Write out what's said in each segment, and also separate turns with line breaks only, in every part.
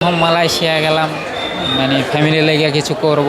Malaysia গেলাম, মানে family লেগে কিছু করব,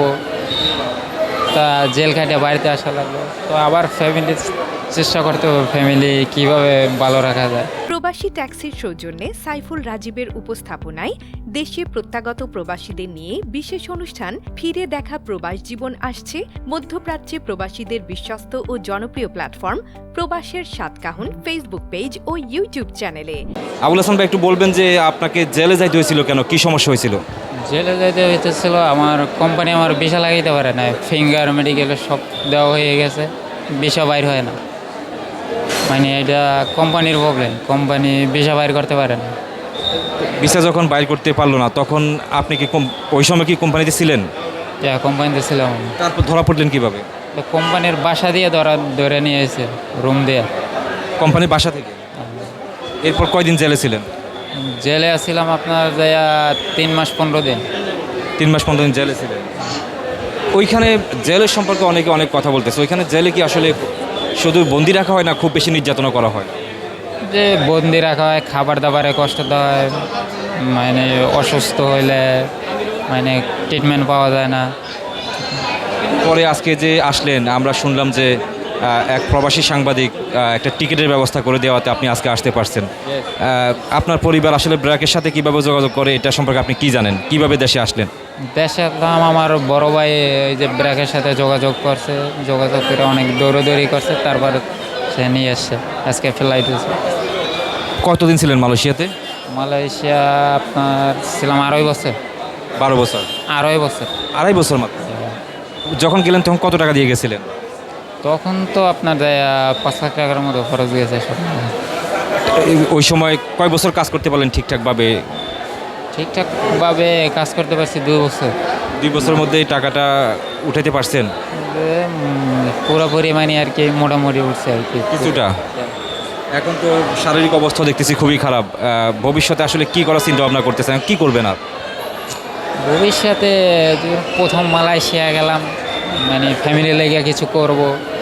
তা জেল খাটে বাড়িতে আসা লাগলো। তো আবার ফ্যামিলি চেষ্টা করতে হবে, ফ্যামিলি কিভাবে ভালো রাখা যায়।
প্রবাসী ট্যাক্সির সৌজন্যে সাইফুল রাজীবের উপস্থাপনায় দেশে প্রত্যাগত প্রবাসীদের নিয়ে বিশেষ অনুষ্ঠান ফিরে দেখা প্রবাস জীবন আসছে মধ্যপ্রাচ্যে প্রবাসীদের বিশ্বস্ত ও জনপ্রিয় প্ল্যাটফর্ম প্রবাসের সাতকাহন ফেসবুক পেজ ও ইউটিউব চ্যানেলে।
আবুল হাসান ভাই, একটু বলবেন যে আপনাকে জেলে যাইতে হয়েছিল কেন, কি সমস্যা হয়েছিল?
জেলে যাইতে হইতেছিল, আমার কোম্পানি আমার ভিসা লাগাইতে পারে না, ফিঙ্গার মেডিকেলের সব দেওয়া হয়ে গেছে, ভিসা বাইর হয় না। মানে এটা কোম্পানির প্রবলেম, কোম্পানি ভিসা বাইর করতে পারে না।
ভিসা যখন বাইর করতে পারলো না, তখন আপনি কি ওই সময় কি কোম্পানিতে ছিলেন?
কোম্পানিতে ছিলাম।
তারপর ধরা পড়লেন কিভাবে?
তো কোম্পানির বাসা দিয়ে ধরে নিয়ে এসে রুম দিয়ে।
কোম্পানির বাসা থেকে? এরপর কয়দিন জেলে ছিলেন?
জেলে আসছিলাম আপনার যাইয়া 3 মাস 15 দিন।
3 মাস 15 দিন জেলে ছিলেন। ওইখানে জেলের সম্পর্কে অনেকে অনেক কথা বলতেছে। ওইখানে জেলে কি আসলে শুধু বন্দি রাখা হয় না, খুব বেশি নির্যাতনা করা হয়?
যে বন্দি রাখা হয়, খাবার দাবারে কষ্ট দেওয়া হয়, মানে অসুস্থ হইলে মানে ট্রিটমেন্ট পাওয়া যায় না।
পরে আজকে যে আসলেন, আমরা শুনলাম যে এক প্রবাসী সাংবাদিক একটা টিকিটের ব্যবস্থা করে দেওয়াতে আপনি আজকে আসতে পারছেন। আপনার পরিবার আসলে ব্র্যাকের সাথে কীভাবে যোগাযোগ করে, এটা সম্পর্কে আপনি কি জানেন? কিভাবে দেশে আসলেন?
দেশে আসলাম, আমার বড় ভাই এই যে ব্র্যাকের সাথে যোগাযোগ করছে, যোগাযোগ করে অনেক দৌড়াদৌড়ি করছে, তারপর সে নিয়ে এসছে। আজকে ফ্লাইট হয়েছে।
কতদিন ছিলেন মালয়েশিয়াতে?
মালয়েশিয়া আপনার ছিলাম 2.5 বছর।
12 বছর?
2.5 বছর।
2.5 বছর মাত্র? যখন গেলেন তখন কত টাকা দিয়ে গেছিলেন?
তখন তো আপনার 5 লাখ টাকার মতো খরচ গেছে সব।
ওই সময় কয় বছর কাজ করতে পারলেন ঠিকঠাকভাবে?
ঠিকঠাকভাবে কাজ করতে পারছি 2 বছর।
2 বছরের মধ্যে এই টাকাটা উঠাইতে পারছেন?
পুরোপুরি মানে আর কি মোটামুটি উঠছে আর কি
কিছুটা। এখন তো শারীরিক অবস্থা দেখতেছি খুবই খারাপ। ভবিষ্যতে আসলে কি করার চিন্তা ভাবনা করতেছেন, কি করবেন? আর
ভবিষ্যতে প্রথম মালয়েশিয়া গেলাম, মানে ফ্যামিলি লেগে কিছু করব,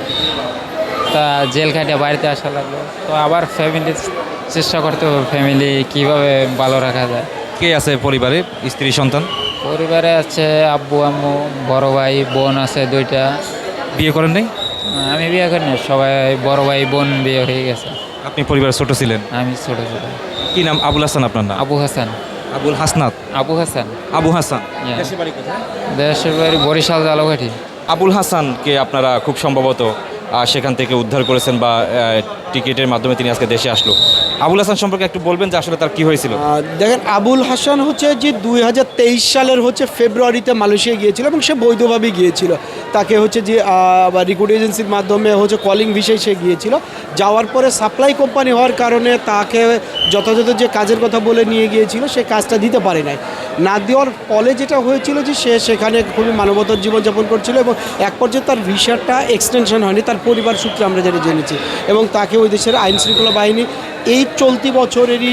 তা জেল খাটে বাড়িতে আসা লাগলো। তো আবার ফ্যামিলি চেষ্টা করতে হবে, ফ্যামিলি কিভাবে ভালো রাখা যায়।
কে আছে পরিবারে, স্ত্রী সন্তান?
পরিবারে আছে আব্বু আম্মু, বড় ভাই বোন আছে 2টা।
বিয়ে করেন নাই?
আমি বিয়ে করিনি, সবাই বড় ভাই বোন বিয়ে হয়ে গেছে।
আপনি পরিবারে ছোট ছিলেন?
আমি ছোট ছোট।
কি নাম? আবুল হাসান আপনার নাম?
আবু হাসান।
আবুল হাসনাত?
আবু হাসান।
আবু হাসান।
Yeah.
দেশের বাড়ি কোথায়?
দেশের বাড়ি বরিশাল জালকাঠি।
আবুল হাসানকে আপনারা খুব সম্ভবত সেখান থেকে উদ্ধার করেছেন, বা টিকিটের মাধ্যমে তিনি আজকে দেশে আসলো। আবুল হাসান সম্পর্কে একটু বলবেন যে আসলে তার কি হয়েছিল?
দেখেন, আবুল হাসান হচ্ছে যে 2023 সালের ফেব্রুয়ারিতে মালয়েশিয়া গিয়েছিল এবং সে বৈধভাবে গিয়েছিল। তাকে হচ্ছে যে রিক্রুট এজেন্সির মাধ্যমে কলিং ভিসায় সে গিয়েছিল। যাওয়ার পরে সাপ্লাই কোম্পানি হওয়ার কারণে তাকে যথাযথ যে কাজের কথা বলে নিয়ে গিয়েছিল সে কাজটা দিতে পারে নাই। না দেওয়ার ফলে যেটা হয়েছিল যে সে সেখানে খুবই মানবতার জীবনযাপন করছিল এবং এক পর্যায়ে তার ভিসাটা এক্সটেনশন হয়নি, তার পরিবার সূত্রে আমরা যেটা জেনেছি। এবং তাকে ওই দেশের আইন শৃঙ্খলা বাহিনী এই চলতি বছরেরই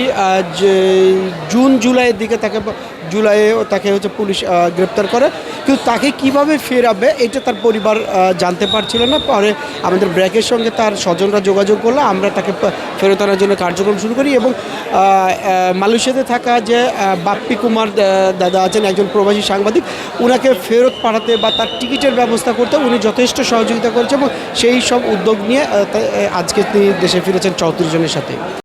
জুন জুলাইয়ের দিকে তাকে পুলিশ গ্রেপ্তার করে। কিন্তু তাকে কিভাবে ফেরাবে এটা তার পরিবার জানতে পারছিল না। পরে আমাদের ব্র্যাকের সঙ্গে তার স্বজনরা যোগাযোগ করলে আমরা তাকে ফেরত আনার জন্য কার্যক্রম শুরু করি। এবং মালয়েশিয়াতে থাকা যে বাপ্পি কুমার দাদা আছেন, একজন প্রবাসী সাংবাদিক, ওনাকে ফেরত পাঠাতে বা তার টিকিটের ব্যবস্থা করতে উনি যথেষ্ট সহযোগিতা করেছে এবং সেই সব উদ্যোগ নিয়ে আজকে তিনি দেশে ফিরেছেন 34 জনের সাথে।